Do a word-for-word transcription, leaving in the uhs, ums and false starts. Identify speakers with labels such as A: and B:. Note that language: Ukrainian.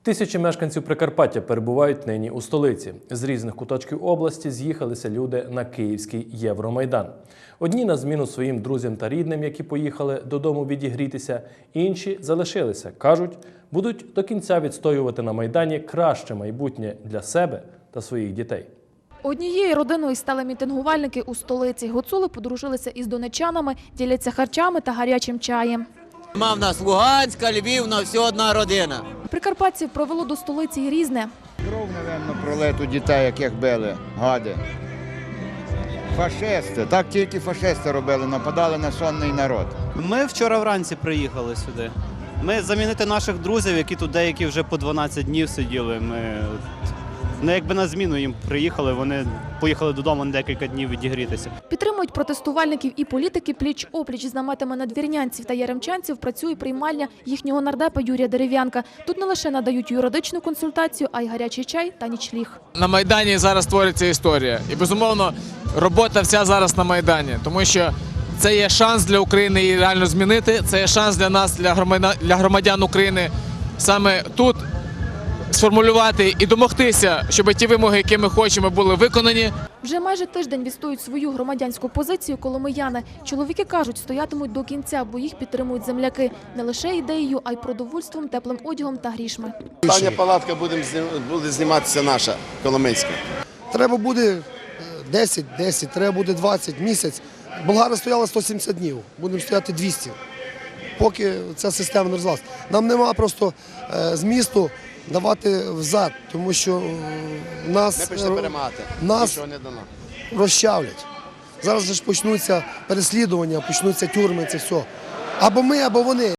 A: Тисячі мешканців Прикарпаття перебувають нині у столиці. З різних куточків області з'їхалися люди на Київський Євромайдан. Одні на зміну своїм друзям та рідним, які поїхали додому відігрітися, інші залишилися. Кажуть, будуть до кінця відстоювати на Майдані краще майбутнє для себе та своїх дітей.
B: Однією родиною стали мітингувальники у столиці. Гуцули подружилися із донечанами, діляться харчами та гарячим чаєм.
C: Нема в нас Луганська, Львівна, все одна родина.
B: Прикарпатців провело до столиці і Різне.
D: Кров, напевно, пролету дітей, яких били, гади. Фашисти, так тільки фашисти робили, нападали на сонний народ.
E: Ми вчора вранці приїхали сюди. Ми замінити наших друзів, які тут деякі вже по дванадцять днів сиділи. Ми ну, якби на зміну їм приїхали, вони поїхали додому на декілька днів відігрітися.
B: Підтримують протестувальників і політики. Пліч-опліч з наметами надвірнянців та яремчанців працює приймальня їхнього нардепа Юрія Дерев'янка. Тут не лише надають юридичну консультацію, а й гарячий чай та нічліг.
F: На Майдані зараз твориться історія. І, безумовно, робота вся зараз на Майдані. Тому що це є шанс для України її реально змінити. Це є шанс для нас, для громадян України, саме тут сформулювати і домогтися, щоб ті вимоги, які ми хочемо, були виконані.
B: Вже майже тиждень відстоюють свою громадянську позицію коломияни. Чоловіки кажуть, стоятимуть до кінця, бо їх підтримують земляки. Не лише ідеєю, а й продовольством, теплим одягом та грішми.
G: Остання палатка буде, буде зніматися наша, Коломийська.
H: Треба буде десять, десять, треба буде двадцять, місяць. Болгари стояли сто сімдесят днів, будемо стояти двісті, поки ця система не розвалиться. Нам нема просто змісту давати взад, тому що нас, нас
G: не дано.
H: розчавлять. Зараз же ж почнуться переслідування, почнуться тюрми, це все. Або ми, або вони.